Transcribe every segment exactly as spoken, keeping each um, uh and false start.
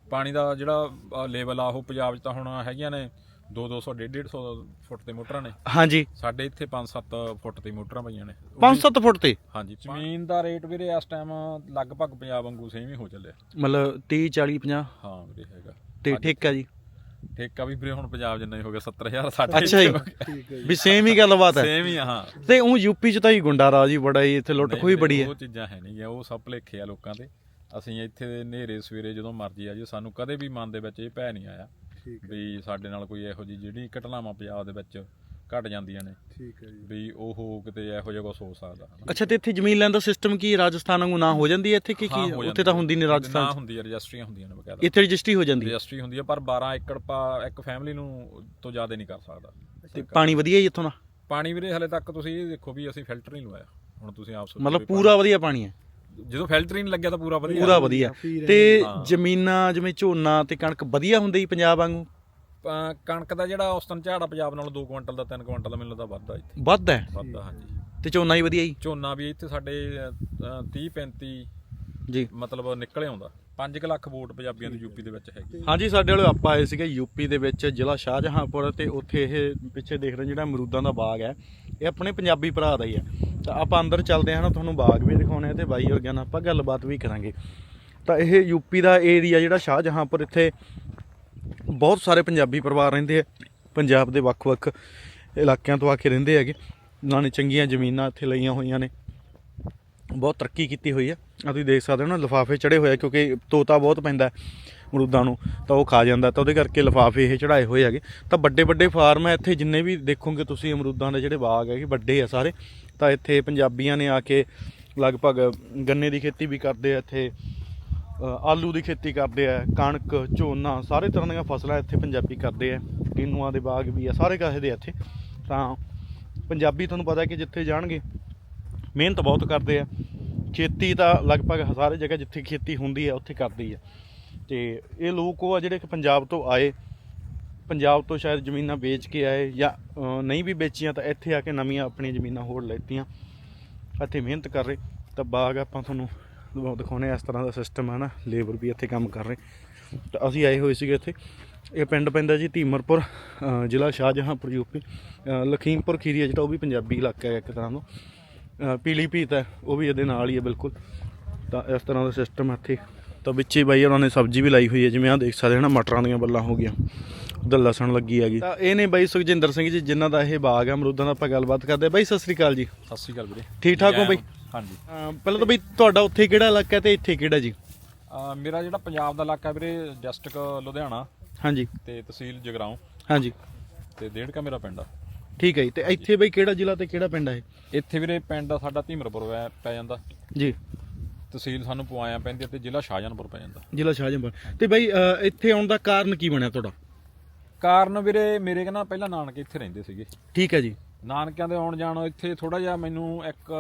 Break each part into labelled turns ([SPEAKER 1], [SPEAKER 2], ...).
[SPEAKER 1] ਪਾਣੀ ਦਾ ਜਿਹੜਾ ਲੈਵਲ ਆ ਉਹ ਪੰਜਾਬ 'ਚ ਤਾਂ ਹੁਣ ਹੈਗੀਆਂ ਨੇ ਦੋ ਦੋ ਸੌ ਡੇਢ ਡੇਢ ਸੌ ਫੁੱਟ ਤੇ ਮੋਟਰਾਂ ਨੇ।
[SPEAKER 2] ਹਾਂਜੀ,
[SPEAKER 1] ਸਾਡੇ ਇੱਥੇ ਪੰਜ ਸੱਤ ਫੁੱਟ ਤੇ ਮੋਟਰਾਂ ਪਈਆਂ ਨੇ।
[SPEAKER 2] ਪੰਜ ਸੱਤ ਫੁੱਟ ਤੇ?
[SPEAKER 1] ਹਾਂਜੀ। ਜ਼ਮੀਨ ਦਾ ਰੇਟ ਵੀਰੇ ਇਸ ਟਾਈਮ ਲਗਭਗ ਪੰਜਾਬ ਵਾਂਗੂ ਸੇਮ ਹੀ ਹੋ ਚੱਲਿਆ,
[SPEAKER 2] ਮਤਲਬ ਤੀਹ ਚਾਲੀ ਪੰਜਾਹ?
[SPEAKER 1] ਹਾਂ ਵੀਰੇ ਹੈਗਾ।
[SPEAKER 2] ਤੇ ਠੇਕਾ ਜੀ?
[SPEAKER 1] ਠੇਕਾ ਵੀ ਵੀਰੇ ਹੁਣ ਪੰਜਾਬ ਜਿੰਨਾ ਹੀ ਹੋ ਗਿਆ, ਸੱਤਰ ਹਜ਼ਾਰ ਸਾਡੇ।
[SPEAKER 2] ਅੱਛਾ ਜੀ, ਵੀ ਸੇਮ ਹੀ ਗੱਲਬਾਤ ਹੈ?
[SPEAKER 1] ਸੇਮ ਹੀ ਆ, ਹਾਂ।
[SPEAKER 2] ਤੇ ਉਹ ਯੂਪੀ 'ਚ ਤਾਂ ਹੀ ਗੁੰਡਾ ਰਾਜ ਹੀ ਬੜਾ ਹੀ, ਇੱਥੇ ਲੁੱਟ ਖੋਹੀ ਬੜੀ ਹੈ।
[SPEAKER 1] ਉਹ ਚੀਜ਼ਾਂ ਹੈ ਨਹੀਂ, ਉਹ ਸਭ ਭੁਲੇਖੇ ਆ ਲੋਕਾਂ ਦੇ। ਅਸੀਂ ਇੱਥੇ ਦੇ ਹਨੇਰੇ ਸਵੇਰੇ ਜਦੋਂ ਮਰਜੀ ਆ ਜੀ, ਸਾਨੂੰ ਕਦੇ ਵੀ ਮਨ ਦੇ ਵਿੱਚ ਇਹ ਭੈ ਨਹੀਂ ਆਇਆ ਵੀ ਸਾਡੇ ਨਾਲ ਕੋਈ ਇਹੋ ਜਿਹੀ ਜਿਹੜੀ ਘਟਨਾਵਾਂ ਪੰਜਾਬ ਦੇ ਵਿੱਚ ਘਟ ਜਾਂਦੀਆਂ ਨੇ, ਠੀਕ ਹੈ ਜੀ, ਵੀ ਉਹ ਕਿਤੇ ਇਹੋ ਜਿਹਾ ਕੁਛ ਹੋ ਸਕਦਾ।
[SPEAKER 2] ਅੱਛਾ, ਤੇ ਇੱਥੇ ਜ਼ਮੀਨ ਲੈਣ ਦਾ ਸਿਸਟਮ ਕੀ ਰਾਜਸਥਾਨ ਵਾਂਗੂ ਨਾ ਹੋ ਜਾਂਦੀ ਹੈ ਇੱਥੇ ਕੀ ਕੀ? ਉੱਥੇ ਤਾਂ ਹੁੰਦੀ ਨਹੀਂ ਰਾਜਸਥਾਨ
[SPEAKER 1] ਨਾ ਹੁੰਦੀ ਹੈ, ਰਜਿਸਟਰੀਆਂ ਹੁੰਦੀਆਂ ਨੇ ਬਕਾਇਦਾ।
[SPEAKER 2] ਇੱਥੇ ਰਜਿਸਟਰੀ ਹੋ ਜਾਂਦੀ ਹੈ?
[SPEAKER 1] ਰਜਿਸਟਰੀ ਹੁੰਦੀ ਹੈ, ਪਰ ਬਾਰਾਂ ਏਕੜ ਪਾ ਇੱਕ ਫੈਮਿਲੀ ਨੂੰ ਤੋਂ ਜ਼ਿਆਦਾ ਨਹੀਂ ਕਰ ਸਕਦਾ।
[SPEAKER 2] ਤੇ ਪਾਣੀ ਵਧੀਆ ਜੀ ਇੱਥੋਂ ਦਾ?
[SPEAKER 1] ਪਾਣੀ ਵੀਰੇ ਹਲੇ ਤੱਕ ਤੁਸੀਂ ਇਹ ਦੇਖੋ ਵੀ ਅਸੀਂ ਫਿਲਟਰ ਨਹੀਂ ਲਵਾਇਆ, ਹੁਣ ਤੁਸੀਂ ਆਪ ਸੋਚੋ।
[SPEAKER 2] ਮਤਲਬ ਪੂਰਾ ਵਧੀਆ ਪਾਣੀ ਹੈ?
[SPEAKER 1] ਜਦੋਂ ਫਿਲਟਰ ਹੀ ਨਹੀਂ ਲੱਗਿਆ ਤਾਂ ਪੂਰਾ ਵਧੀਆ,
[SPEAKER 2] ਪੂਰਾ ਵਧੀਆ। ਤੇ ਜ਼ਮੀਨਾਂ ਜਿਵੇਂ ਝੋਨਾ ਤੇ ਕਣਕ ਵਧੀਆ ਹੁੰਦੀ ਜੀ ਪੰਜਾਬ ਵਾਂਗੂ?
[SPEAKER 1] ਕਣਕ ਦਾ ਜਿਹੜਾ ਔਸਤਨ ਝਾੜਾ ਪੰਜਾਬ ਨਾਲੋਂ ਦੋ ਕੁਇੰਟਲ ਦਾ ਤਿੰਨ ਕੁਇੰਟਲ ਦਾ ਮੈਨੂੰ ਲੱਗਦਾ ਵੱਧਦਾ ਇੱਥੇ।
[SPEAKER 2] ਵੱਧ ਹੈ?
[SPEAKER 1] ਵੱਧਦਾ, ਹਾਂਜੀ।
[SPEAKER 2] ਤੇ ਝੋਨਾ ਹੀ ਵਧੀਆ ਜੀ?
[SPEAKER 1] ਝੋਨਾ ਵੀ ਇੱਥੇ ਸਾਡੇ ਤੀਹ ਪੈਂਤੀ
[SPEAKER 2] ਜੀ
[SPEAKER 1] ਮਤਲਬ ਨਿਕਲੇ ਆਉਂਦਾ। ਪੰਜ ਕੁ ਲੱਖ ਵੋਟ ਪੰਜਾਬੀਆਂ ਦੀ ਯੂਪੀ ਦੇ ਵਿੱਚ ਹੈਗੀ।
[SPEAKER 2] ਹਾਂਜੀ, ਸਾਡੇ ਵਾਲੇ ਆਪਾਂ ਆਏ ਸੀਗੇ ਯੂਪੀ ਦੇ ਵਿੱਚ ਜ਼ਿਲ੍ਹਾ ਸ਼ਾਹਜਹਾਂਪੁਰ, ਤੇ ਉੱਥੇ ਇਹ ਪਿੱਛੇ ਦੇਖ ਰਹੇ ਜਿਹੜਾ ਅਮਰੂਦਾਂ ਦਾ ਬਾਗ ਹੈ, ਇਹ ਆਪਣੇ ਪੰਜਾਬੀ ਭਰਾ ਦਾ ਹੀ ਹੈ। ਤਾਂ ਆਪਾਂ ਅੰਦਰ ਚੱਲਦੇ ਹਾਂ ਨਾ, ਤੁਹਾਨੂੰ ਬਾਗ ਵੀ ਦਿਖਾਉਣੇ ਆ ਤੇ ਬਾਈ ਵਰਗਿਆਂ ਨਾਲ ਆਪਾਂ ਗੱਲਬਾਤ ਵੀ ਕਰਾਂਗੇ। ਤਾਂ ਇਹ ਯੂਪੀ ਦਾ ਏਰੀਆ ਜਿਹੜਾ ਸ਼ਾਹਜਹਾਂਪੁਰ, ਇੱਥੇ ਬਹੁਤ ਸਾਰੇ ਪੰਜਾਬੀ ਪਰਿਵਾਰ ਰਹਿੰਦੇ ਆ, ਪੰਜਾਬ ਦੇ ਵੱਖ-ਵੱਖ ਇਲਾਕਿਆਂ ਤੋਂ ਆ ਕੇ ਰਹਿੰਦੇ ਹੈਗੇ। ਉਹਨਾਂ ਨੇ ਚੰਗੀਆਂ ਜ਼ਮੀਨਾਂ ਇੱਥੇ ਲਈਆਂ ਹੋਈਆਂ ਨੇ, ਬਹੁਤ ਤਰੱਕੀ ਕੀਤੀ ਹੋਈ ਆ। ਆ ਤੁਸੀਂ ਦੇਖ ਸਕਦੇ ਹੋ ਨਾ, ਲਿਫਾਫੇ ਚੜ੍ਹੇ ਹੋਏ ਆ, ਕਿਉਂਕਿ ਤੋਤਾ ਬਹੁਤ ਪੈਂਦਾ ਅਮਰੂਦਾਂ ਨੂੰ ਤਾਂ ਉਹ ਖਾ ਜਾਂਦਾ, ਤਾਂ ਉਹਦੇ ਕਰਕੇ ਲਿਫਾਫੇ ਇਹ ਚੜ੍ਹਾਏ ਹੋਏ ਹੈਗੇ। ਤਾਂ ਵੱਡੇ ਵੱਡੇ ਫਾਰਮ ਹੈ ਇੱਥੇ, ਜਿੰਨੇ ਵੀ ਦੇਖੋਗੇ ਤੁਸੀਂ ਅਮਰੂਦਾਂ ਦੇ ਜਿਹੜੇ ਬਾਗ ਹੈਗੇ ਵੱਡੇ ਆ ਸਾਰੇ। ਤਾਂ ਇੱਥੇ ਪੰਜਾਬੀਆਂ ਨੇ ਆ ਕੇ ਲਗਭਗ ਗੰਨੇ ਦੀ ਖੇਤੀ ਵੀ ਕਰਦੇ ਆ, ਇੱਥੇ ਆਲੂ ਦੀ ਖੇਤੀ ਕਰਦੇ ਆ, ਕਣਕ ਝੋਨਾ ਸਾਰੇ ਤਰ੍ਹਾਂ ਦੀਆਂ ਫਸਲਾਂ ਇੱਥੇ ਪੰਜਾਬੀ ਕਰਦੇ ਆ। ਕਿਨੂਆਂ ਦੇ ਬਾਗ ਵੀ ਆ, ਸਾਰੇ ਕਾਸੇ ਦੇ ਇੱਥੇ। ਤਾਂ ਪੰਜਾਬੀ ਤੁਹਾਨੂੰ ਪਤਾ ਕਿ ਜਿੱਥੇ ਜਾਣਗੇ ਮਿਹਨਤ ਬਹੁਤ ਕਰਦੇ ਆ। ਖੇਤੀ ਤਾਂ ਲਗਭਗ ਸਾਰੇ ਜਗ੍ਹਾ ਜਿੱਥੇ ਖੇਤੀ ਹੁੰਦੀ ਹੈ ਉੱਥੇ ਕਰਦੀ ਆ। ਅਤੇ ਇਹ ਲੋਕ ਉਹ ਆ ਜਿਹੜੇ ਕਿ ਪੰਜਾਬ ਤੋਂ ਆਏ, ਪੰਜਾਬ ਤੋਂ ਸ਼ਾਇਦ ਜ਼ਮੀਨਾਂ ਵੇਚ ਕੇ ਆਏ ਜਾਂ ਨਹੀਂ ਵੀ ਵੇਚੀਆਂ, ਤਾਂ ਇੱਥੇ ਆ ਕੇ ਨਵੀਆਂ ਆਪਣੀਆਂ ਜ਼ਮੀਨਾਂ ਹੋਰ ਲੈਤੀਆਂ, ਇੱਥੇ ਮਿਹਨਤ ਕਰ ਰਹੇ। ਤਾਂ ਬਾਗ ਆਪਾਂ ਤੁਹਾਨੂੰ ਦਿਖਾਉਂਦੇ ਇਸ ਤਰ੍ਹਾਂ ਦਾ ਸਿਸਟਮ ਹੈ ਨਾ, ਲੇਬਰ ਵੀ ਇੱਥੇ ਕੰਮ ਕਰ ਰਹੇ। ਤਾਂ ਅਸੀਂ ਆਏ ਹੋਏ ਸੀਗੇ ਇੱਥੇ। ਇਹ ਪਿੰਡ ਪੈਂਦਾ ਜੀ ਧੀਮਰਪੁਰ, ਜ਼ਿਲ੍ਹਾ ਸ਼ਾਹਜਹਾਂਪੁਰ, ਯੂਪੀ। ਲਖੀਮਪੁਰ ਖੀਰੀ ਹੈ ਜਿਹੜਾ, ਉਹ ਵੀ ਪੰਜਾਬੀ ਇਲਾਕਾ ਹੈ ਇੱਕ ਤਰ੍ਹਾਂ ਦਾ। ਪੀਲੀਭੀਤ ਹੈ, ਉਹ ਵੀ ਇਹਦੇ ਨਾਲ ਹੀ ਹੈ ਬਿਲਕੁਲ। ਤਾਂ ਇਸ ਤਰ੍ਹਾਂ ਦਾ ਸਿਸਟਮ ਹੈ ਇੱਥੇ। ਤਾਂ ਵਿੱਚ ਹੀ ਬਾਈ ਉਹਨਾਂ ਨੇ ਸਬਜ਼ੀ ਵੀ ਲਾਈ ਹੋਈ ਹੈ, ਜਿਵੇਂ ਆਹ ਦੇਖ ਸਕਦੇ ਹੋ ਨਾ, ਮਟਰਾਂ ਦੀਆਂ ਬੱਲਾਂ ਹੋ ਗਈਆਂ, ਉੱਧਰ ਲਸਣ ਲੱਗੀ ਹੈਗੀ। ਤਾਂ ਇਹ ਨੇ ਬਾਈ ਸੁਖਜਿੰਦਰ ਸਿੰਘ ਜੀ, ਜਿਨ੍ਹਾਂ ਦਾ ਇਹ ਬਾਗ ਹੈ ਅਮਰੂਦਾਂ ਦਾ। ਆਪਾਂ ਗੱਲਬਾਤ ਕਰਦੇ ਹਾਂ। ਬਾਈ ਸਤਿ ਸ਼੍ਰੀ ਅਕਾਲ ਜੀ।
[SPEAKER 1] ਸਤਿ ਸ਼੍ਰੀ ਅਕਾਲ ਵੀਰੇ।
[SPEAKER 2] ਠੀਕ ਠਾਕ ਹੋ ਬਾਈ?
[SPEAKER 1] ਹਾਂਜੀ।
[SPEAKER 2] ਪਹਿਲਾਂ ਤਾਂ ਬਈ ਤੁਹਾਡਾ ਉੱਥੇ ਕਿਹੜਾ ਇਲਾਕਾ ਹੈ ਤੇ ਇੱਥੇ ਕਿਹੜਾ ਜੀ?
[SPEAKER 1] ਮੇਰਾ ਜਿਹੜਾ ਪੰਜਾਬ ਦਾ ਇਲਾਕਾ ਵੀਰੇ, ਡਿਸਟ੍ਰਿਕਟ ਲੁਧਿਆਣਾ, ਹਾਂਜੀ, ਤੇ ਤਹਿਸੀਲ ਜਗਰਾਉਂ, ਹਾਂਜੀ, ਤੇ ਡੇਢਕਾ ਮੇਰਾ ਪਿੰਡ ਆ।
[SPEAKER 2] ਠੀਕ ਹੈ ਜੀ। ਤੇ ਇੱਥੇ ਬਈ ਕਿਹੜਾ ਜ਼ਿਲ੍ਹਾ ਤੇ ਕਿਹੜਾ ਪਿੰਡ ਹੈ?
[SPEAKER 1] ਇੱਥੇ ਵੀਰੇ ਪਿੰਡ ਸਾਡਾ ਧੀਮਰਪੁਰ ਪੈ ਜਾਂਦਾ ਜੀ, ਤਹਿਸੀਲ ਸਾਨੂੰ ਪੁਆਇਆ ਪੈਂਦੀ ਤੇ ਜ਼ਿਲ੍ਹਾ ਸ਼ਾਹਜਹਾਂਪੁਰ ਪੈ ਜਾਂਦਾ।
[SPEAKER 2] ਜ਼ਿਲ੍ਹਾ ਸ਼ਾਹਜਹਾਂਪੁਰ। ਤੇ ਬਾਈ ਇੱਥੇ ਆਉਣ ਦਾ ਕਾਰਨ ਕੀ ਬਣਿਆ ਤੁਹਾਡਾ?
[SPEAKER 1] ਕਾਰਨ ਵੀਰੇ ਮੇਰੇ ਕਹਿੰਦਾ ਪਹਿਲਾਂ ਨਾਨਕੇ ਇੱਥੇ ਰਹਿੰਦੇ ਸੀਗੇ। ਠੀਕ ਹੈ ਜੀ। ਨਾਨਕਿਆਂ ਦੇ ਆਉਣ ਜਾਣ ਇੱਥੇ ਥੋੜਾ ਜਿਹਾ ਮੈਨੂੰ ਇੱਕ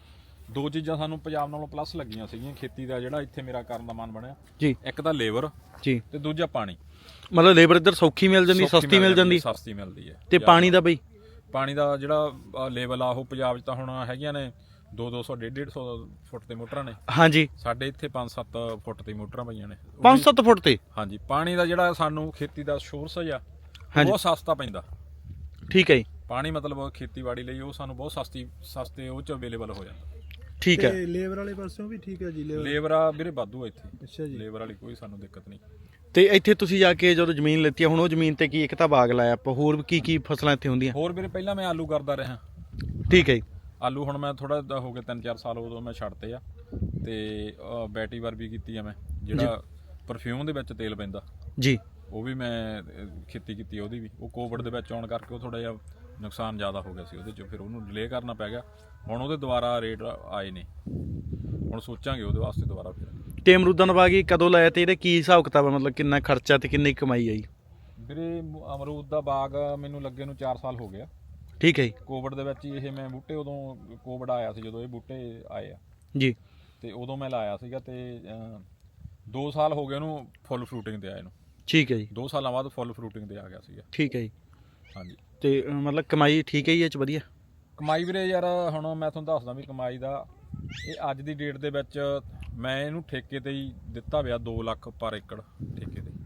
[SPEAKER 1] ਦੋ ਚੀਜ਼ਾਂ ਸਾਨੂੰ ਪੰਜਾਬ ਨਾਲੋਂ ਪਲੱਸ ਲੱਗੀਆਂ ਸੀਗੀਆਂ ਖੇਤੀ ਦਾ, ਜਿਹੜਾ ਇੱਥੇ ਮੇਰਾ ਕਰਨ ਦਾ ਮਨ ਬਣਿਆ ਜੀ। ਇੱਕ ਤਾਂ ਲੇਬਰ ਜੀ, ਤੇ ਦੂਜਾ ਪਾਣੀ। ਮਤਲਬ ਲੇਬਰ ਇੱਧਰ ਸੌਖੀ ਮਿਲ ਜਾਂਦੀ, ਸਸਤੀ ਮਿਲ ਜਾਂਦੀ? ਸਸਤੀ ਮਿਲਦੀ ਹੈ। ਤੇ ਪਾਣੀ ਦਾ ਬਈ? ਪਾਣੀ ਦਾ ਜਿਹੜਾ ਲੈਵਲ ਆ ਉਹ ਪੰਜਾਬ 'ਚ ਤਾਂ ਹੁਣ ਹੈਗੀਆਂ ਨੇ ਦੋ ਦੋ ਸੌ ਡੇਢ ਡੇਢ ਸੌ ਫੁੱਟ ਤੇ ਮੋਟਰਾਂ ਨੇ। ਹਾਂਜੀ। ਸਾਡੇ ਇੱਥੇ ਪੰਜ ਸੱਤ ਫੁੱਟ ਤੇ ਮੋਟਰਾਂ ਪਈਆਂ ਨੇ। ਪੰਜ ਸੱਤ ਫੁੱਟ ਤੇ? ਹਾਂਜੀ। ਪਾਣੀ ਦਾ ਜਿਹੜਾ ਸਾਨੂੰ ਖੇਤੀ ਦਾ ਸੋਰਸ ਆ ਬਹੁਤ ਸਸਤਾ ਪੈਂਦਾ। ਠੀਕ ਹੈ ਜੀ। ਪਾਣੀ ਮਤਲਬ ਖੇਤੀਬਾੜੀ ਲਈ ਉਹ ਸਾਨੂੰ ਬਹੁਤ ਸਸਤੀ ਸਸਤੇ ਉਹ 'ਚ ਅਵੇਲੇਬਲ ਹੋ ਜਾਂਦਾ। ਠੀਕ ਹੈ।
[SPEAKER 3] ਲੇਬਰ ਵਾਲੇ ਪਾਸਿਓਂ ਵੀ ਠੀਕ ਹੈ ਜੀ?
[SPEAKER 1] ਲੇਬਰ ਆ ਵੀਰੇ ਵਾਧੂ ਇੱਥੇ। ਅੱਛਾ ਜੀ। ਲੇਬਰ ਵਾਲੀ ਕੋਈ ਸਾਨੂੰ ਦਿੱਕਤ ਨਹੀਂ।
[SPEAKER 2] ਤੇ ਇੱਥੇ ਤੁਸੀਂ ਜਾ ਕੇ ਜਦੋਂ ਜ਼ਮੀਨ ਲੈਤੀ, ਹੁਣ ਉਹ ਜ਼ਮੀਨ ਤੇ ਕੀ ਇੱਕ ਤਾਂ ਬਾਗ ਲਾਇਆ ਆਪਾਂ, ਹੋਰ ਕੀ ਕੀ ਫਸਲਾਂ ਇੱਥੇ ਹੁੰਦੀਆਂ? ਹੋਰ ਵੀਰੇ ਪਹਿਲਾਂ ਮੈਂ ਆਲੂ ਕਰਦਾ ਰਿਹਾ। ਠੀਕ ਹੈ ਜੀ। ਆਲੂ ਹੁਣ ਮੈਂ ਥੋੜਾ ਹੋ ਗਿਆ ਤਿੰਨ ਚਾਰ ਸਾਲ, ਉਦੋਂ ਮੈਂ ਛੱਡਤੇ ਆ। ਤੇ ਬੈਟੀ ਵਾਰ ਵੀ ਕੀਤੀ ਆ ਮੈਂ, ਜਿਹੜਾ ਪਰਫਿਊਮ ਦੇ ਵਿੱਚ ਤੇਲ ਪੈਂਦਾ ਜੀ, ਉਹ ਵੀ ਮੈਂ ਖੇਤੀ ਕੀਤੀ ਉਹਦੀ ਵੀ। ਉਹ ਕੋਵਿਡ ਦੇ ਵਿੱਚ ਆਉਣ ਕਰਕੇ ਉਹ ਥੋੜਾ ਜਿਹਾ ਨੁਕਸਾਨ ਜ਼ਿਆਦਾ ਹੋ ਗਿਆ ਸੀ ਉਹਦੇ 'ਚ, ਫਿਰ ਉਹਨੂੰ ਡਿਲੇ ਕਰਨਾ ਪੈ ਗਿਆ। ਹੁਣ ਉਹਦੇ ਦੁਬਾਰਾ ਰੇਟ ਆਏ ਨੇ, ਹੁਣ ਸੋਚਾਂਗੇ ਉਹਦੇ ਵਾਸਤੇ ਦੁਬਾਰਾ ਫਿਰ। ਤੇ ਅਮਰੂਦਾਂ ਦਾ ਬਾਗ ਕਦੋਂ ਲਾਇਆ ਤੇ ਇਹਦਾ ਕੀ ਹਿਸਾਬ ਕਿਤਾਬ, ਮਤਲਬ ਕਿੰਨਾ ਖਰਚਾ ਤੇ ਕਿੰਨੀ ਕਮਾਈ ਆਈ? ਵੀਰੇ ਅਮਰੂਦ ਦਾ ਬਾਗ ਮੈਨੂੰ ਲੱਗੇ ਨੂੰ ਚਾਰ ਸਾਲ ਹੋ ਗਿਆ। ਠੀਕ ਹੈ ਜੀ। ਕੋਵਿਡ ਦੇ ਵਿੱਚ ਹੀ ਇਹ ਮੈਂ ਬੂਟੇ, ਉਦੋਂ ਕੋਵਿਡ ਆਇਆ ਸੀ ਜਦੋਂ ਇਹ ਬੂਟੇ ਆਏ ਆ ਜੀ, ਤੇ ਉਦੋਂ ਮੈਂ ਲਾਇਆ ਸੀਗਾ। ਤੇ ਦੋ ਸਾਲ ਹੋ ਗਏ ਉਹਨੂੰ ਫੁੱਲ ਫਰੂਟਿੰਗ ਤੇ ਆਏ ਨੂੰ। ਠੀਕ ਹੈ ਜੀ। ਦੋ ਸਾਲਾਂ ਬਾਅਦ ਫੁੱਲ ਫਰੂਟਿੰਗ ਤੇ ਆ ਗਿਆ ਸੀਗਾ। ਠੀਕ ਹੈ ਜੀ। ਹਾਂਜੀ। ਤੇ ਮਤਲਬ ਕਮਾਈ ਠੀਕ ਹੈ ਜੀ ਇਹ 'ਚ? ਵਧੀਆ ਕਮਾਈ ਵੀਰੇ। ਯਾਰ ਹੁਣ ਮੈਂ ਤੁਹਾਨੂੰ ਦੱਸਦਾ ਵੀ ਕਮਾਈ ਦਾ, ਇਹ ਅੱਜ ਦੀ ਡੇਟ ਦੇ ਵਿੱਚ ਮੈਂ ਇਹਨੂੰ ਠੇਕੇ ਤੇ ਹੀ ਦਿੱਤਾ ਪਿਆ ਦੋ ਲੱਖ ਪਰ ਏਕੜ ਠੇਕੇ ਤੇ।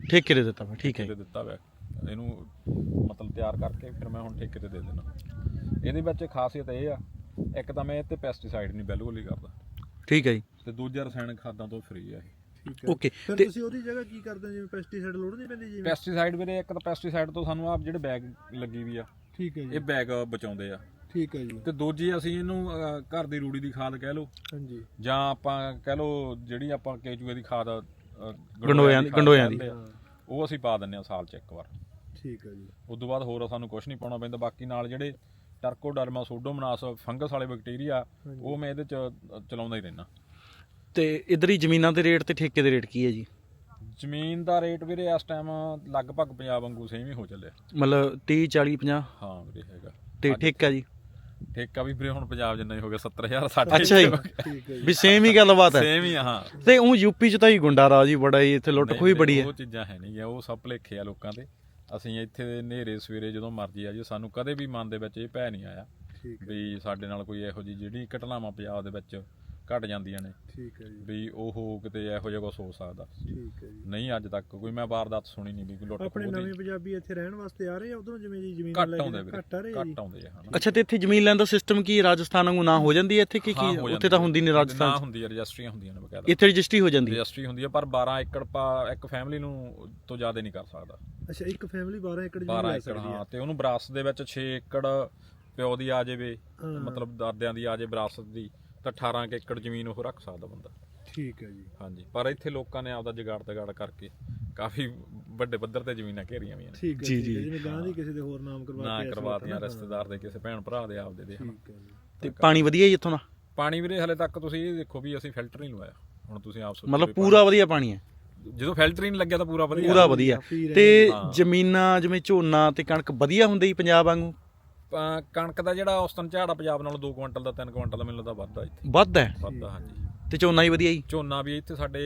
[SPEAKER 2] ਠੇਕੇ ਤੇ ਦਿੱਤਾ ਵਾ, ਠੀਕ ਹੈ
[SPEAKER 1] ਠੇਕੇ ਤੇ ਦਿੱਤਾ ਵਾ ਇਹਨੂੰ, ਮਤਲਬ ਤਿਆਰ ਕਰਕੇ ਫਿਰ ਮੈਂ ਹੁਣ ਠੇਕੇ ਤੇ ਦੇ ਦੇਣਾ। ਇਹਦੇ ਵਿੱਚ ਖਾਸੀਅਤ ਇਹ ਆ, ਇੱਕ ਤਾਂ ਮੈਂ ਇਹ ਤੇ ਪੈਸਟੀਸਾਈਡ ਨਹੀਂ ਬਿਲਕੁਲ ਹੀ ਕਰਦਾ,
[SPEAKER 2] ਠੀਕ ਹੈ ਜੀ,
[SPEAKER 1] ਤੇ ਦੂਜਾ ਰਸਾਇਣਿਕ ਖਾਦਾਂ ਤੋਂ ਫ੍ਰੀ ਆ ਇਹ।
[SPEAKER 3] ਠੀਕ ਹੈ
[SPEAKER 2] ਓਕੇ।
[SPEAKER 3] ਫਿਰ
[SPEAKER 2] ਤੇ
[SPEAKER 3] ਤੁਸੀਂ ਉਹਦੀ ਜਗ੍ਹਾ ਕੀ ਕਰਦੇ ਹੋ, ਜਿਵੇਂ ਪੈਸਟੀਸਾਈਡ ਲੋੜ ਨਹੀਂ ਪੈਂਦੀ ਜਿਵੇਂ?
[SPEAKER 1] ਪੈਸਟੀਸਾਈਡ ਵੀਰੇ, ਇੱਕ ਤਾਂ ਪੈਸਟੀਸਾਈਡ ਤੋਂ ਸਾਨੂੰ ਆਪ ਜਿਹੜੇ ਬੈਗ ਲੱਗੀ ਵੀ ਆ,
[SPEAKER 3] ਠੀਕ ਹੈ ਜੀ,
[SPEAKER 1] ਇਹ ਬੈਗ ਬਚਾਉਂਦੇ ਆ,
[SPEAKER 3] ਠੀਕ ਹੈ ਜੀ,
[SPEAKER 1] ਤੇ ਦੂਜੀ ਅਸੀਂ ਇਹਨੂੰ ਅਹ, ਘਰ ਦੀ ਰੂੜੀ ਦੀ ਖਾਦ ਕਹਿ ਲਓ,
[SPEAKER 3] ਹਾਂਜੀ,
[SPEAKER 1] ਜਾਂ ਆਪਾਂ ਕਹਿ ਲਓ ਜਿਹੜੀ ਆਪਾਂ ਕੇਚੂਏ ਦੀ ਖਾਦ ਅਹ,
[SPEAKER 2] ਗੰਡੋਇਆਂ ਦੀ
[SPEAKER 1] ਖਾਦ
[SPEAKER 2] ਗੰਡੋਇਆਂ ਦੀ
[SPEAKER 1] ਕਹਿੰਦੇ ਆ, ਉਹ ਅਸੀਂ ਪਾ ਦਿੰਨੇ ਆ ਸਾਲ ਚ ਇੱਕ ਵਾਰ।
[SPEAKER 3] ਠੀਕ ਹੈ ਜੀ,
[SPEAKER 1] ਉਸ ਤੋਂ ਬਾਅਦ ਹੋਰ ਸਾਨੂੰ ਕੁਝ ਨਹੀਂ ਪਾਉਣਾ ਪੈਂਦਾ। ਬਾਕੀ ਨਾਲ ਜਿਹੜੇ ਟਰਕੋਡਰਮਾ ਸੂਡੋਮੋਨਾਸ ਫੰਗਸ ਵਾਲੇ ਬੈਕਟੀਰੀਆ, ਉਹ ਮੈਂ ਇਹਦੇ ਚ ਚਲਾਉਂਦਾ ਹੀ ਰਹਿਣਾ।
[SPEAKER 2] ਤੇ ਇਧਰ ਹੀ ਜ਼ਮੀਨਾਂ ਦੇ ਰੇਟ ਤੇ ਠੇਕੇ ਦੇ ਰੇਟ ਕੀ ਹੈ ਜੀ?
[SPEAKER 1] ਜ਼ਮੀਨ ਦਾ ਰੇਟ ਵੀਰੇ ਇਸ ਟਾਈਮ ਲਗਭਗ ਪੰਜਾਬ ਵਾਂਗੂ ਸੇਮ ਹੀ ਹੋ ਚੱਲਿਆ।
[SPEAKER 2] ਮਤਲਬ ਤੀਹ ਚਾਲੀ ਪੰਜਾਹ?
[SPEAKER 1] ਹਾਂ ਵੀਰੇ ਹੈਗਾ।
[SPEAKER 2] ਤੇ ਠੇਕਾ ਜੀ?
[SPEAKER 1] ਠੇਕਾ ਵੀ ਵੀਰੇ ਹੁਣ ਪੰਜਾਬ ਜਿੰਨਾ ਹੀ ਹੋ ਗਿਆ, ਸੱਤਰ ਹਜ਼ਾਰ ਸਾਢੇ।
[SPEAKER 2] ਅੱਛਾ ਜੀ,
[SPEAKER 3] ਠੀਕ ਹੈ ਜੀ,
[SPEAKER 2] ਵੀ ਸੇਮ ਹੀ ਗੱਲਬਾਤ ਹੈ।
[SPEAKER 1] ਸੇਮ ਹੀ ਆ, ਹਾਂ।
[SPEAKER 2] ਤੇ ਉਹ ਯੂਪੀ ਚ ਤਾਂ ਹੀ ਗੁੰਡਾ ਰਾਜ ਹੀ ਬੜਾ ਹੀ, ਇੱਥੇ ਲੁੱਟ ਖੋਹੀ ਬੜੀ ਹੈ।
[SPEAKER 1] ਉਹ ਚੀਜ਼ਾਂ ਹੈ ਨਹੀਂ, ਉਹ ਸਭ ਭੁਲੇਖੇ ਆ ਲੋਕਾਂ ਦੇ। ਅਸੀਂ ਇੱਥੇ ਦੇ ਨੇਰੇ ਸਵੇਰੇ ਜਦੋਂ ਮਰਜੀ ਆ ਜੀ, ਸਾਨੂੰ ਕਦੇ ਵੀ ਮਨ ਦੇ ਵਿੱਚ ਇਹ ਭੈ ਨਹੀਂ ਆਇਆ
[SPEAKER 3] ਠੀਕ ਹੈ,
[SPEAKER 1] ਵੀ ਸਾਡੇ ਨਾਲ ਕੋਈ ਇਹੋ ਜਿਹੀ ਜਿਹੜੀ ਘਟਨਾਵਾਂ ਪੰਜਾਬ ਦੇ ਵਿੱਚ ਘਟ ਜਾਂਦੀਆਂ ਨੇ,
[SPEAKER 3] ਠੀਕ ਹੈ ਜੀ,
[SPEAKER 1] ਵੀ ਉਹ ਕਿਤੇ ਇਹੋ ਜਿਹਾ ਕੁਛ ਹੋ ਸਕਦਾ।
[SPEAKER 3] ਠੀਕ ਹੈ ਜੀ।
[SPEAKER 1] ਨਹੀਂ, ਅੱਜ ਤੱਕ ਕੋਈ ਮੈਂ ਵਾਰਦਾਤ ਸੁਣੀ ਨਹੀਂ ਵੀ ਕੋਈ ਲੁੱਟ
[SPEAKER 3] ਆਪਣੇ
[SPEAKER 1] ਖੋਹ
[SPEAKER 3] ਨਵੇਂ
[SPEAKER 1] ਦੀ।
[SPEAKER 3] ਪੰਜਾਬੀ ਇੱਥੇ ਰਹਿਣ ਵਾਸਤੇ ਆ ਰਹੇ ਆ ਉਧਰੋਂ, ਜਿਵੇਂ ਜੀ ਜ਼ਮੀਨ
[SPEAKER 1] ਘੱਟ
[SPEAKER 3] ਲੈ ਕੇ
[SPEAKER 1] ਆਉਂਦੇ ਵੀਰੇ,
[SPEAKER 3] ਘੱਟ ਆ ਰਹੇ ਆ ਜੀ?
[SPEAKER 1] ਘੱਟ ਆਉਂਦੇ ਆ, ਹਨਾ।
[SPEAKER 2] ਅੱਛਾ, ਤੇ ਇੱਥੇ ਜ਼ਮੀਨ ਲੈਣ ਦਾ ਸਿਸਟਮ ਕੀ ਰਾਜਸਥਾਨ ਵਾਂਗੂ ਨਾ ਹੋ ਜਾਂਦੀ ਹੈ ਇੱਥੇ ਕੀ
[SPEAKER 1] ਹਾਂ,
[SPEAKER 2] ਕੀ?
[SPEAKER 1] ਹੋ
[SPEAKER 2] ਉੱਥੇ
[SPEAKER 1] ਜਾਂਦੀ
[SPEAKER 2] ਤਾਂ
[SPEAKER 1] ਹੈ।
[SPEAKER 2] ਹੁੰਦੀ ਨਹੀਂ
[SPEAKER 1] ਨਾ
[SPEAKER 2] ਰਾਜਸਥਾਨ ਚ,
[SPEAKER 1] ਹੁੰਦੀ ਹੈ, ਰਜਿਸਟਰੀਆਂ ਹੁੰਦੀਆਂ ਨੇ ਬਕਾਇਦਾ।
[SPEAKER 2] ਇੱਥੇ ਰਜਿਸਟਰੀ ਹੋ ਜਾਂਦੀ ਹੈ।
[SPEAKER 1] ਰਜਿਸਟਰੀ ਹੁੰਦੀ ਹੈ, ਪਰ ਬਾਰਾਂ ਏਕੜ ਪਾ ਇੱਕ ਫੈਮਿਲੀ ਨੂੰ ਤੋਂ ਜ਼ਿਆਦਾ ਨਹੀਂ ਕਰ ਸਕਦਾ।
[SPEAKER 3] ਅੱਛਾ, ਇੱਕ ਫੈਮਿਲੀ ਬਾਰਾਂ ਏਕੜ ਜ਼ਮੀਨ
[SPEAKER 1] ਬਾਰਾਂ
[SPEAKER 3] ਲੈ
[SPEAKER 1] ਏਕੜ,
[SPEAKER 3] ਸਕਦੀ
[SPEAKER 1] ਹਾਂ।
[SPEAKER 3] ਹੈ?
[SPEAKER 1] ਤੇ ਉਹਨੂੰ ਵਿਰਾਸਤ ਦੇ ਵਿੱਚ ਛੇ ਏਕੜ ਪਿਓ ਦੀ ਆ ਜਾਵੇ,
[SPEAKER 3] ਹਾਂ।
[SPEAKER 1] ਮਤਲਬ ਦਾਦਿਆਂ ਦੀ ਆ ਜਾਵੇ ਵਿਰਾਸਤ ਦੀ, ਤਾਂ ਅਠਾਰਾਂ ਕੁ ਏਕੜ ਜ਼ਮੀਨ ਉਹ ਰੱਖ ਸਕਦਾ ਬੰਦਾ।
[SPEAKER 3] ਠੀਕ ਹੈ ਜੀ,
[SPEAKER 1] ਹਾਂਜੀ, ਪਰ ਇੱਥੇ ਲੋਕਾਂ ਨੇ ਆਪਦਾ ਜੁਗਾੜ ਤਗਾੜ ਕਰਕੇ ਕਾਫੀ ਵੱਡੇ ਪੱਧਰ ਤੇ ਜ਼ਮੀਨਾਂ ਘੇਰੀਆਂ ਹੋਈਆਂ ਨੇ।
[SPEAKER 3] ਠੀਕ ਹੈ,
[SPEAKER 2] ਜੀ,
[SPEAKER 3] ਠੀਕ ਹੈ,
[SPEAKER 2] ਜੀ।
[SPEAKER 3] ਜਿਵੇਂ ਗਾਂ ਦੀ ਕਿਸੇ ਦੇ ਹੋਰ ਨਾਮ ਕਰਵਾ
[SPEAKER 1] ਨਾ
[SPEAKER 3] ਕੇ
[SPEAKER 1] ਕਰਵਾਤੀਆਂ, ਰਿਸ਼ਤੇਦਾਰ ਦੇ, ਕਿਸੇ ਭੈਣ ਭਰਾ ਦੇ, ਆਪਦੇ ਦੇ।
[SPEAKER 3] ਠੀਕ ਹੈ ਜੀ,
[SPEAKER 2] ਤੇ ਪਾਣੀ ਵਧੀਆ ਜੀ ਇੱਥੋਂ ਦਾ?
[SPEAKER 1] ਪਾਣੀ ਵੀਰੇ ਹਲੇ ਤੱਕ ਤੁਸੀਂ ਇਹ ਦੇਖੋ ਵੀ ਅਸੀਂ ਫਿਲਟਰ ਨਹੀਂ ਲਵਾਇਆ। ਹੁਣ ਤੁਸੀਂ ਆਪ ਸੋਚੋ
[SPEAKER 2] ਮਤਲਬ
[SPEAKER 1] ਵੀ
[SPEAKER 2] ਪੂਰਾ ਵਧੀਆ ਪਾਣੀ ਹੈ?
[SPEAKER 1] ਪਾਣੀ- ਜਦੋਂ ਫਿਲਟਰ ਹੀ ਨਹੀਂ ਲੱਗਿਆ ਤਾਂ ਪੂਰਾ ਵਧੀਆ।
[SPEAKER 2] ਪੂਰਾ ਵਧੀਆ।
[SPEAKER 3] ਪੀ ਰਹੇ
[SPEAKER 2] ਤੇ
[SPEAKER 1] ਹਾਂ।
[SPEAKER 2] ਜ਼ਮੀਨਾਂ ਜਿਵੇਂ ਝੋਨਾ ਤੇ ਕਣਕ ਵਧੀਆ ਹੁੰਦੀ ਜੀ ਪੰਜਾਬ ਵਾਂਗੂ?
[SPEAKER 1] ਅਹ ਕਣਕ ਦਾ ਜਿਹੜਾ ਔਸਤਨ ਝਾੜਾ ਪੰਜਾਬ ਨਾਲੋਂ ਦੋ ਕੁਇੰਟਲ ਦਾ ਤਿੰਨ ਕੁਇੰਟਲ ਦਾ ਮੈਨੂੰ ਲੱਗਦਾ ਵੱਧਦਾ ਇੱਥੇ।
[SPEAKER 2] ਵੱਧ ਹੈ?
[SPEAKER 1] ਵੱਧਦਾ, ਹਾਂਜੀ।
[SPEAKER 2] ਤੇ ਝੋਨਾ ਹੀ ਵਧੀਆ ਜੀ?
[SPEAKER 1] ਝੋਨਾ ਵੀ ਇੱਥੇ ਸਾਡੇ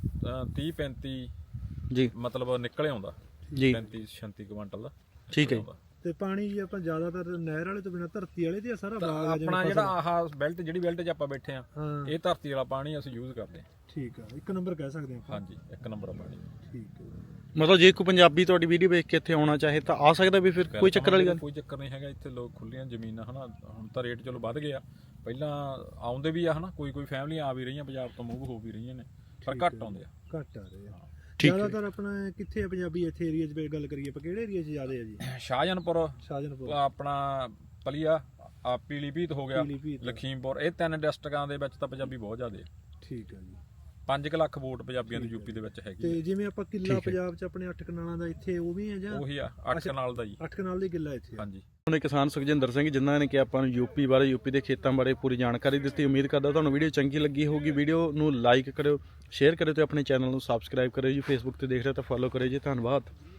[SPEAKER 1] ਤੀਹ ਪੈਂਤੀ
[SPEAKER 2] ਜੀ
[SPEAKER 1] ਮਤਲਬ ਨਿਕਲ ਆਉਂਦਾ,
[SPEAKER 2] ਜੀ,
[SPEAKER 1] ਪੈਂਤੀ ਛੱਤੀ ਕੁਇੰਟਲ ਦਾ।
[SPEAKER 2] ਠੀਕ ਹੈ ਜੀ।
[SPEAKER 1] ਆਉਂਦਾ।
[SPEAKER 3] ਤੇ ਪਾਣੀ ਜੀ ਆਪਾਂ ਜ਼ਿਆਦਾਤਰ ਨਹਿਰ ਵਾਲੇ ਤੋਂ ਬਿਨਾਂ ਧਰਤੀ ਵਾਲੇ ਦੀ ਸਾਰਾ
[SPEAKER 1] ਤਾਂ
[SPEAKER 3] ਬਾਗ ਆ
[SPEAKER 1] ਆਪਣਾ ਜਿਹੜਾ ਆਹ ਬੈਲਟ, ਜਿਹੜੀ ਬੈਲਟ 'ਚ ਆਪਾਂ ਬੈਠੇ ਆ,
[SPEAKER 3] ਹਾਂ,
[SPEAKER 1] ਇਹ ਧਰਤੀ ਵਾਲਾ ਪਾਣੀ ਅਸੀਂ ਯੂਜ਼ ਕਰਦੇ ਹਾਂ।
[SPEAKER 3] ਠੀਕ ਆ, ਇੱਕ ਨੰਬਰ ਕਹਿ ਸਕਦੇ ਆਪਾਂ।
[SPEAKER 1] ਹਾਂਜੀ, ਇੱਕ ਨੰਬਰ ਆ ਪਾਣੀ।
[SPEAKER 3] ਠੀਕ ਹੈ,
[SPEAKER 2] ਮਤਲਬ ਜੇ ਕੋਈ ਪੰਜਾਬੀ ਤੁਹਾਡੀ ਵੀਡੀਓ ਵੇਖ ਕੇ ਇੱਥੇ ਆਉਣਾ ਚਾਹੇ ਤਾਂ ਆ ਸਕਦਾ ਵੀ? ਫਿਰ ਕੋਈ ਚੱਕਰ ਵਾਲੀ ਗੱਲ?
[SPEAKER 1] ਕੋਈ ਚੱਕਰ ਨਹੀਂ ਹੈਗਾ, ਇੱਥੇ ਲੋਕ ਖੁੱਲੀਆਂ ਜ਼ਮੀਨਾਂ, ਹਨਾ। ਹੁਣ ਤਾਂ ਰੇਟ ਚਲੋ ਵੱਧ ਗਿਆ, ਪਹਿਲਾਂ ਆਉਂਦੇ ਵੀ ਆ, ਹਨਾ। ਕੋਈ ਕੋਈ ਫੈਮਲੀਆਂ ਆ ਵੀ ਰਹੀਆਂ, ਪੰਜਾਬ ਤੋਂ ਮੂਵ ਹੋ ਵੀ ਰਹੀਆਂ ਨੇ, ਪਰ ਘੱਟ ਆਉਂਦੇ ਆ।
[SPEAKER 3] ਘੱਟ ਆ ਰਹੇ ਆ।
[SPEAKER 2] ਠੀਕ ਹੈ।
[SPEAKER 3] ਜ਼ਿਆਦਾਤਰ ਆਪਣਾ ਕਿੱਥੇ ਆ ਪੰਜਾਬੀ ਇੱਥੇ ਏਰੀਆ 'ਚ ਗੱਲ ਕਰੀਏ ਆਪਾਂ, ਕਿਹੜੇ ਏਰੀਆ 'ਚ ਜ਼ਿਆਦਾ ਆ ਜੀ?
[SPEAKER 1] ਸ਼ਾਹਜਹਾਨਪੁਰ,
[SPEAKER 3] ਸ਼ਾਹਜਹਾਨਪੁਰ,
[SPEAKER 1] ਆਪਣਾ ਪਲੀਆ, ਆ ਪੀਲੀਭੀਤ ਹੋ ਗਿਆ,
[SPEAKER 3] ਪੀਲੀਭੀਤ।
[SPEAKER 1] ਲਖੀਮਪੁਰ, ਇਹ ਤਿੰਨ ਡਿਸਟ੍ਰਿਕਾਂ ਦੇ ਵਿੱਚ ਤਾਂ ਪੰਜਾਬੀ ਬਹੁਤ ਜ਼ਿਆਦਾ ਆ।
[SPEAKER 3] ਠੀਕ ਹੈ ਜੀ।
[SPEAKER 1] ਪੰਜ ਕੁ ਲੱਖ ਵੋਟ ਪੰਜਾਬੀਆਂ ਦੀ ਯੂਪੀ ਦੇ ਵਿੱਚ ਹੈਗੀ
[SPEAKER 3] ਤੇ
[SPEAKER 1] ਆ।
[SPEAKER 3] ਜਿਵੇਂ ਆਪਾਂ ਕਿੱਲਾ ਪੰਜਾਬ 'ਚ ਆਪਣੇ ਅੱਠ ਕਨਾਲਾਂ ਦਾ, ਇੱਥੇ ਉਹ ਵੀ ਹੈ ਜਾਂ
[SPEAKER 1] ਉਹੀ ਆ, ਅੱਠ ਕਨਾਲ ਦਾ ਜੀ।
[SPEAKER 3] ਅੱਠ ਕਨਾਲ ਦੀ ਕਿੱਲਾ ਇੱਥੇ ਆ?
[SPEAKER 1] ਹਾਂਜੀ।
[SPEAKER 2] ਉਹਨੇ ਕਿਸਾਨ ਸੁਖਜਿੰਦਰ ਸਿੰਘ, ਜਿਨ੍ਹਾਂ ਨੇ ਕਿ ਆਪਾਂ ਨੂੰ ਯੂਪੀ ਬਾਰੇ, ਯੂਪੀ ਦੇ ਖੇਤਾਂ ਬਾਰੇ ਪੂਰੀ ਜਾਣਕਾਰੀ ਦਿੱਤੀ। ਉਮੀਦ ਕਰਦਾ ਤੁਹਾਨੂੰ ਵੀਡੀਓ ਚੰਗੀ ਲੱਗੀ ਹੋਊਗੀ। ਵੀਡੀਓ ਨੂੰ ਲਾਈਕ ਕਰਿਓ, ਸ਼ੇਅਰ ਕਰਿਓ ਤੇ ਆਪਣੇ ਚੈਨਲ ਨੂੰ ਸਬਸਕ੍ਰਾਈਬ ਕਰਿਓ ਜੀ। ਫੇਸਬੁੱਕ ਤੇ ਦੇਖ ਰਹੇ ਤਾਂ ਫੋਲੋ ਕਰਿਓ ਜੀ। ਧੰਨਵਾਦ।